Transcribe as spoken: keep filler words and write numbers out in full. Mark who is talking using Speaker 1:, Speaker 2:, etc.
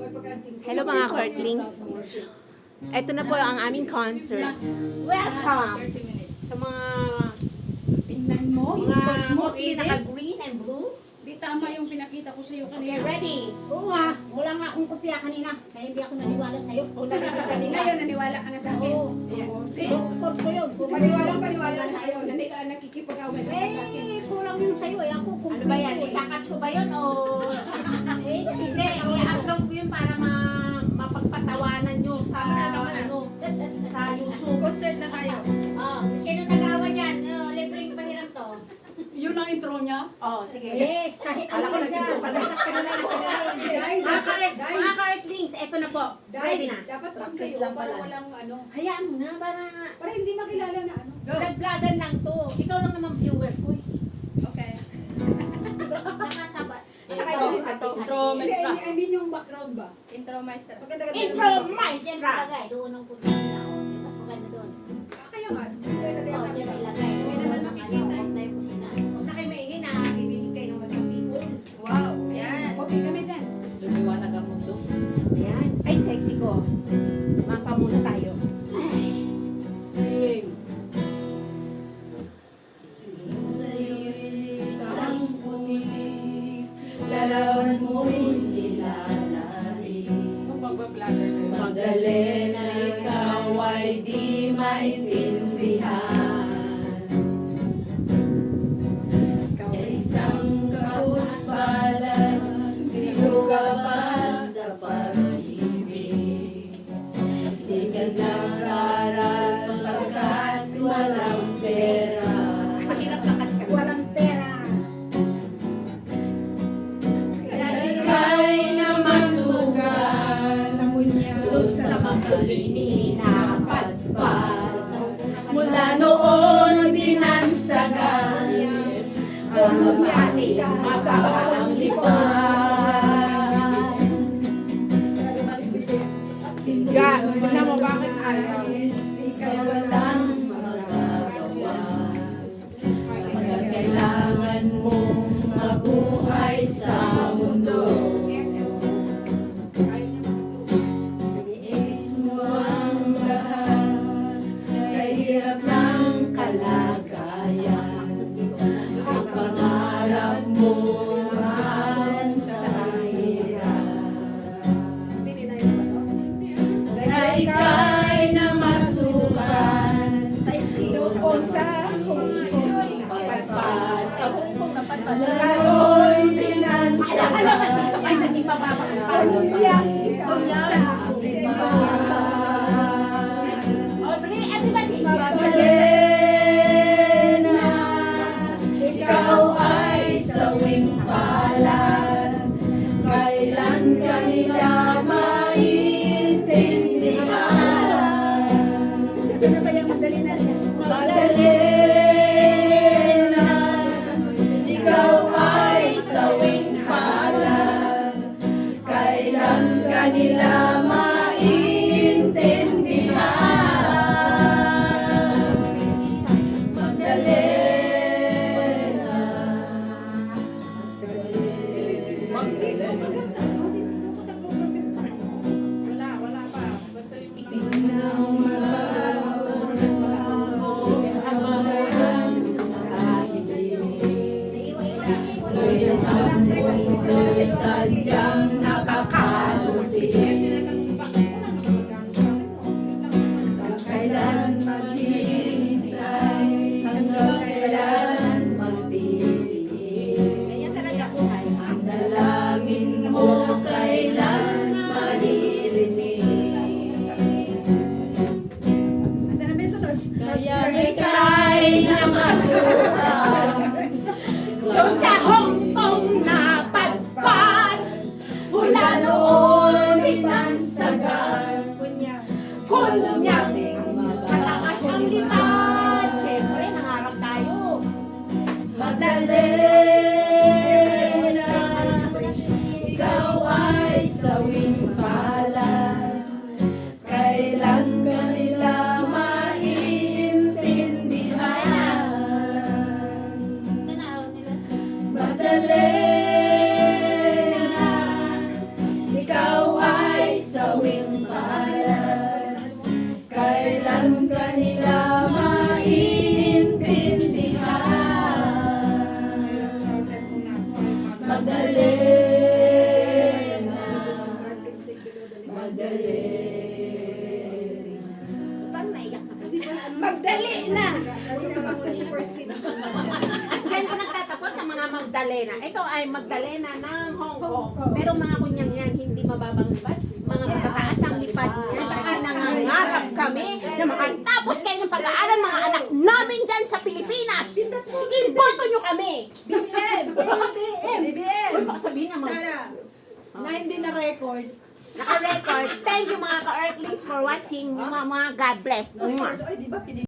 Speaker 1: Hello mga Courtlings. Ito na po ang aming concert. Welcome sa mga
Speaker 2: Tingnan mo, yung
Speaker 1: mga
Speaker 2: birds mo,
Speaker 1: mostly
Speaker 2: Eden.
Speaker 1: naka-green and blue.
Speaker 2: Di tama yung pinakita ko sa'yo
Speaker 1: Okay,
Speaker 2: kanina.
Speaker 1: ready?
Speaker 3: Oo nga, wala nga akong kopya kanina. Kaya hindi ako naniwala sa'yo.
Speaker 1: Kung nakita kanina.
Speaker 2: Ngayon, naniwala ka na sa akin.
Speaker 3: Oo.
Speaker 2: Oo. See?
Speaker 3: Bukod ko yun.
Speaker 4: Paniwalang paniwala na
Speaker 2: Ayaw, nandi ka nakikipag-away ka pa sa akin.
Speaker 3: Eh, kulang yun sa'yo eh. Ako kung
Speaker 1: Ano ba yan? Ikakat ko ba yun o...
Speaker 3: Eh,
Speaker 1: Hindi, i-upload ko yun para ma mapagpatawanan nyo sa ano, sa YouTube.
Speaker 2: Concert na tayo.
Speaker 3: Oh, sino nag-awa dyan? Oh, libreng pahiram to.
Speaker 2: Yun ang intro niya?
Speaker 1: Oh, sige.
Speaker 3: Yes, kahit
Speaker 1: Alam
Speaker 3: ano
Speaker 1: ko
Speaker 3: ka dyan.
Speaker 1: nagtito pa na.
Speaker 3: Basta ka na lang pagaling.
Speaker 4: Dahil,
Speaker 1: Mga
Speaker 4: dapat,
Speaker 1: Court-
Speaker 4: dahil,
Speaker 1: mga Courtlings, ito na po. Ready na.
Speaker 4: dapat
Speaker 2: Practice
Speaker 4: kayo
Speaker 2: lang
Speaker 4: para
Speaker 2: pala.
Speaker 4: walang ano,
Speaker 1: Hayaan mo na, para
Speaker 4: para hindi makilala na ano.
Speaker 2: Go.
Speaker 1: vlog-vlogan lang to. Ikaw lang naman viewer ko eh.
Speaker 2: Okay.
Speaker 3: Saka sabat.
Speaker 1: Tsaka
Speaker 2: Intro,
Speaker 1: yung
Speaker 2: intro,
Speaker 1: ito.
Speaker 2: intro,
Speaker 4: Hindi, I
Speaker 2: maestra.
Speaker 4: mean, I mean yung background ba?
Speaker 2: Intro, maestra.
Speaker 4: Maganda-ganda
Speaker 1: Intro
Speaker 4: yung-
Speaker 3: Diyan
Speaker 1: Maestra.
Speaker 3: ilagay. Doon ang punta nila. Oh, mas maganda doon.
Speaker 4: Ah, Kaya nga, dito na din
Speaker 3: Oh,
Speaker 4: ang
Speaker 3: diyan
Speaker 4: camera.
Speaker 3: ilagay.
Speaker 2: Hindi naman
Speaker 3: Doon ang
Speaker 2: makikita.
Speaker 3: ano, huwag tayo kusina.
Speaker 1: Huwag na kayo maingin na bibili kayo ng mga people.
Speaker 2: Wow. Ayan. Okay kami dyan.
Speaker 5: Lumiwanag ang mundo.
Speaker 1: Ayan. Ay, sexy ko. Mapa muna tayo.
Speaker 2: Sing.
Speaker 5: Isang puti, larawan mo'y nilalari.
Speaker 2: Pagbablogger ko.
Speaker 5: Magdalena, ikaw ay di maintindihan. Kay isang kapuspalan, pinugabas sa pag-ibig. Di ka nag-aral pagkat walang pera.
Speaker 1: Mahirap lang kasi kami.
Speaker 4: Walang pera.
Speaker 5: Ika'y namasukan doon sa makalini na patpat. Mula noon binansagan ang ating masakang lipan.
Speaker 1: Ga, tignan mo bakit ayaw.
Speaker 5: Ikaw walang magagawa. Pagkat kailangan mong mabuhay sa mundo. Inis mo ang lahat, kahirap ng kalagayan. Ang pangarap mo naman sa hirap.
Speaker 4: Hindi ninayin ba to?
Speaker 5: Kaya ika'y namasukan
Speaker 4: Sightseeing.
Speaker 1: sa Hong Kong.
Speaker 5: patpat.
Speaker 1: Sa Hong Kong na patpat.
Speaker 5: Lalo'y
Speaker 1: Alam ka
Speaker 5: binansagan.
Speaker 1: naman dito kayo naging mababang palo.
Speaker 5: Sa
Speaker 1: Aubrey, everybody.
Speaker 5: Magdalena, ikaw ay sawing palad. Kailan ka nila maintindihan?
Speaker 1: Sino ba yung Magdalena?
Speaker 5: Magdalena, ikaw ay sawing palad. Kailan ka nila maintindihan? Magdalena.
Speaker 4: Hindi to, hanggang sa ano, dito ko sa government pa.
Speaker 2: Wala, wala pa. Basta yung
Speaker 5: Tingnan mo ang mga yung amoy sadyang nakakaluti. Kailan maghihintay, hanggang kailan magtitiis. Ang dalangin mo kailan maririnig.
Speaker 2: Asan na ba yung sunod?
Speaker 5: Kaya ika'y namasukan
Speaker 1: So sa Hong Kong na patpat.
Speaker 5: mula noon binansagan.
Speaker 1: Kunyak.
Speaker 5: Kunyak
Speaker 1: Sa taas ang lipad. Siyempre, nangarap tayo.
Speaker 5: Magdalena, ikaw ay sawing palad. Kailan ka nila maintindihan? Magdalena, ikaw ay sawing palad. Kailan ka nila maiintindihan? Magdalena, Magdalena.
Speaker 3: Parang naiyak na.
Speaker 4: Kasi pa, ano,
Speaker 2: Magdali na!
Speaker 1: Diyan ko nagtatapos sa mga Magdalena. Ito ay Magdalena ng Hong Kong. Pero mga kunyang yan, hindi mababang lipas. Mga matataas ang lipad niya. Kasi nangangarap kami na makatapos kayo ng pag-aaral mga anak namin dyan sa Pilipinas. Iboto nyo kami.
Speaker 3: B B M!
Speaker 4: B B M!
Speaker 1: Uy, baka sabihin naman.
Speaker 2: Sana!
Speaker 4: Na hindi na record.
Speaker 1: Naka-record. Thank you mga ka-Earthlings for watching. Mga, mga God bless.
Speaker 4: Ay, di ba,